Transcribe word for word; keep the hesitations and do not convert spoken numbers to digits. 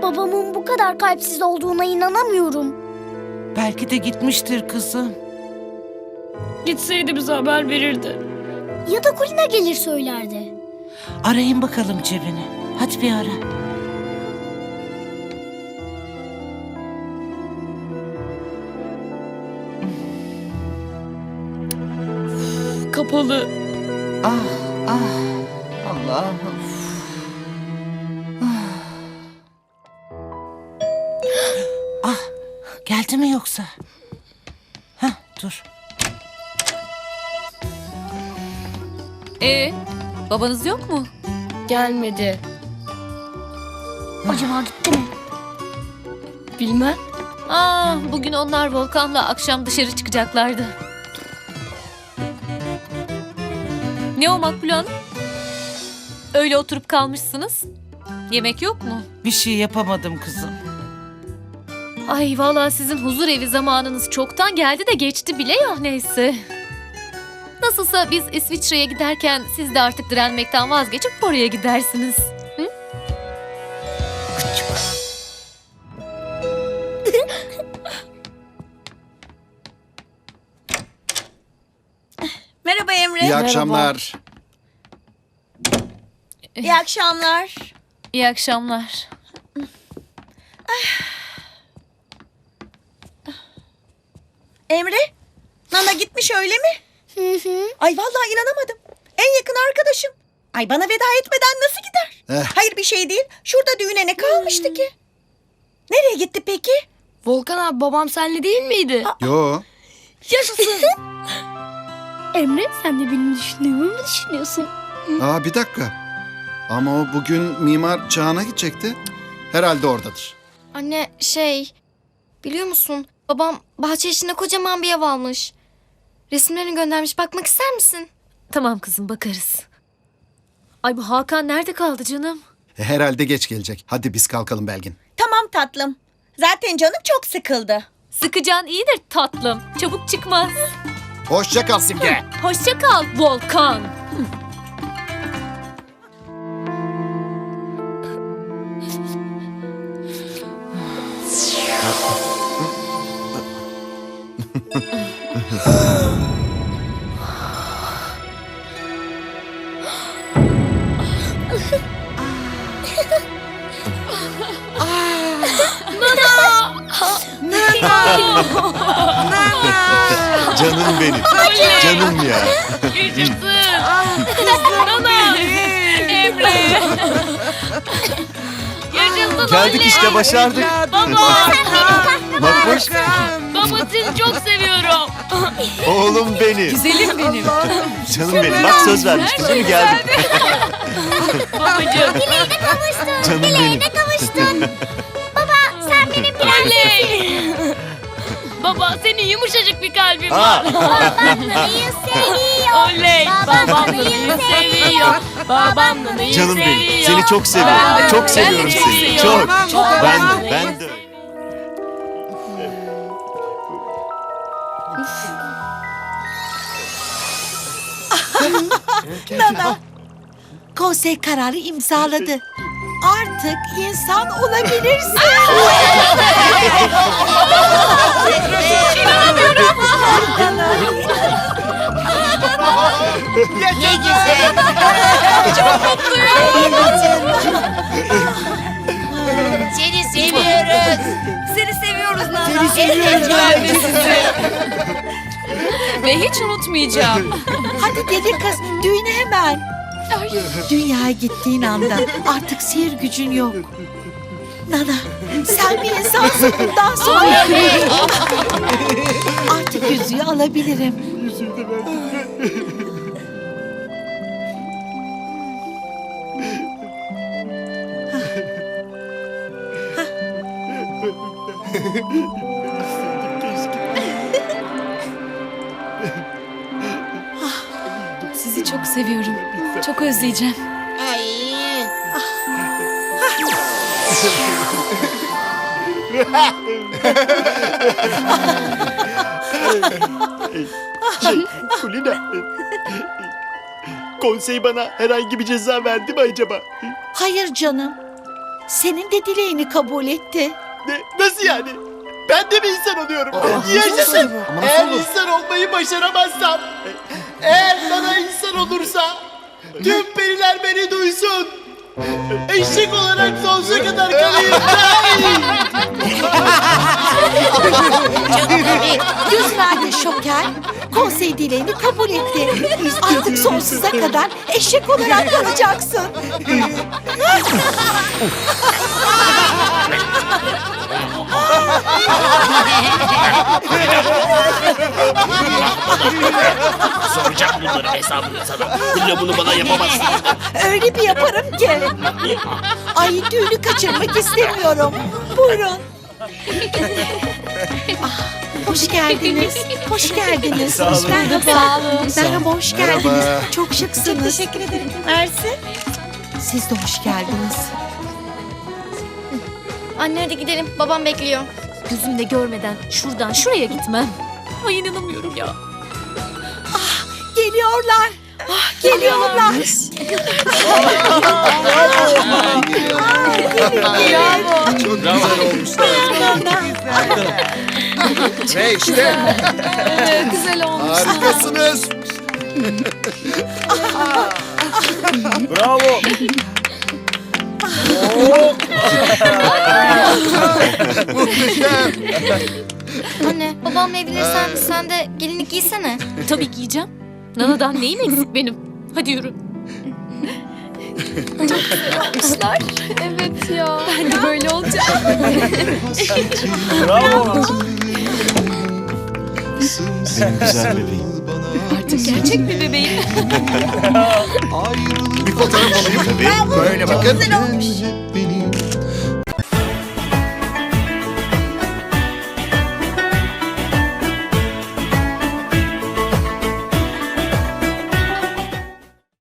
Babamın bu kadar kalpsiz olduğuna inanamıyorum. Belki de gitmiştir kızım. Gitseydi bize haber verirdi. Ya da Kulina gelir söylerdi. Arayın bakalım cebini. Hadi bir ara. Kapalı. Ah ah Allah'ım. Ah geldi mi yoksa? Hah dur. Ee, babanız yok mu? Gelmedi. Acaba gitti mi? Bilmem. Aa, bugün onlar Volkan'la akşam dışarı çıkacaklardı. Ne o Makbule Hanım? Öyle oturup kalmışsınız. Yemek yok mu? Bir şey yapamadım kızım. Ay vallahi sizin huzur evi zamanınız çoktan geldi de geçti bile ya neyse. Nasılsa biz İsviçre'ye giderken siz de artık direnmekten vazgeçip oraya gidersiniz. Hı? Merhaba Emre. İyi akşamlar. İyi akşamlar. İyi akşamlar. Emre, Nana gitmiş öyle mi? Hı hı. Ay vallahi inanamadım. En yakın arkadaşım. Ay bana veda etmeden nasıl gider? Eh. Hayır bir şey değil. Şurada düğüne ne kalmıştı ki? Nereye gitti peki? Volkan abi babam senle değil miydi? Yo. Yaşasın. Emre sen de benim düşündüğümü mü düşünüyorsun? Aa bir dakika. Ama o bugün Mimar Çağan'a gidecekti. Herhalde oradadır. Anne şey biliyor musun babam bahçe içinde kocaman bir ev almış. Resimlerini göndermiş, bakmak ister misin? Tamam kızım bakarız. Ay bu Hakan nerede kaldı canım? E, herhalde geç gelecek. Hadi biz kalkalım Belgin. Tamam tatlım. Zaten canım çok sıkıldı. Sıkıcan iyidir tatlım. Çabuk çıkmaz. Hoşça kal Simge. Hoşça kal Volkan. Canım benim. Canım ya. Yaşasın. Nana. Emre. Yaşasın Geldik işte başardık. Baba. Makbuş. Baba sizi çok seviyorum. Oğlum benim. Güzelim benim. Canım benim. Bak söz vermiştim değil mi? Geldim. Babacığım. Canım benim. Oley. Baba senin yumuşacık bir kalbin Aa. var. Oley. Babam Nana'yı seviyor. Babam Nana'yı Canım seviyor. benim. Seni çok seviyorum. Ben de, Çok ben de seviyorum seni. seviyorum. Çok. Çok. Ben de. Ben de. Nana. Konsey kararı imzaladı. Artık insan olabilirsin. Ne güzel. Seni seviyoruz. Seni seviyoruz Nana. Seni seviyoruz. Ben de sizi. Ve hiç unutmayacağım. Hadi deli kız düğüne hemen. Dünyaya gittiğin anda artık sihir gücün yok. Nana sen bir insansın bundan sonra. Artık yüzüğü alabilirim. Sizi çok seviyorum. Çok özleyeceğim. Ay. Şey, Kulina. Konsey bana herhangi bir ceza verdi mi acaba? Hayır canım. senin de dileğini kabul etti. Ne? Nasıl yani? Ben de mi insan oluyorum? Yaşasın. Eğer insan olmayı başaramazsam, eğer bana insan olursa, tüm periler beni duysun. Eşek olarak sonsuza kadar kalayım. Yüz verdi Şoker. Konsey dileğini kabul etti. Artık sonsuza kadar eşek olarak kalacaksın. Soracağım bunların hesabını sana. Hülya bunu bana yapamazsın. Öyle bir yaparım ki. Ay düğünü kaçırmak istemiyorum. Buyurun. Ah, hoş geldiniz. Hoş geldiniz. Sağ olun. Merhaba. Merhaba, hoş geldiniz. Merhaba. Çok şıksınız. Teşekkür ederim. Mersi. Siz de hoş geldiniz. Anne hadi gidelim. Babam bekliyor. Gözümle görmeden şuradan şuraya gitmem. Ay inanamıyorum ya. Geliyorlar. Ah, geliyorlar. Çok güzel olmuşlar. Ve işte Güzel olmuş. harikasınız. Bravo. Muhteşem. Anne babamla evlenirsen sen de gelinlik giysene. Tabii giyeceğim. Nana'dan neyim eksik benim? Hadi yürü. Evet ya. Ben de böyle olacağım. Bravo. Benim güzel bebeğim. Artık gerçek bir bebeğim. Bir fotoğraf alayım. Tabii. Böyle bakın. Güzel olmuş.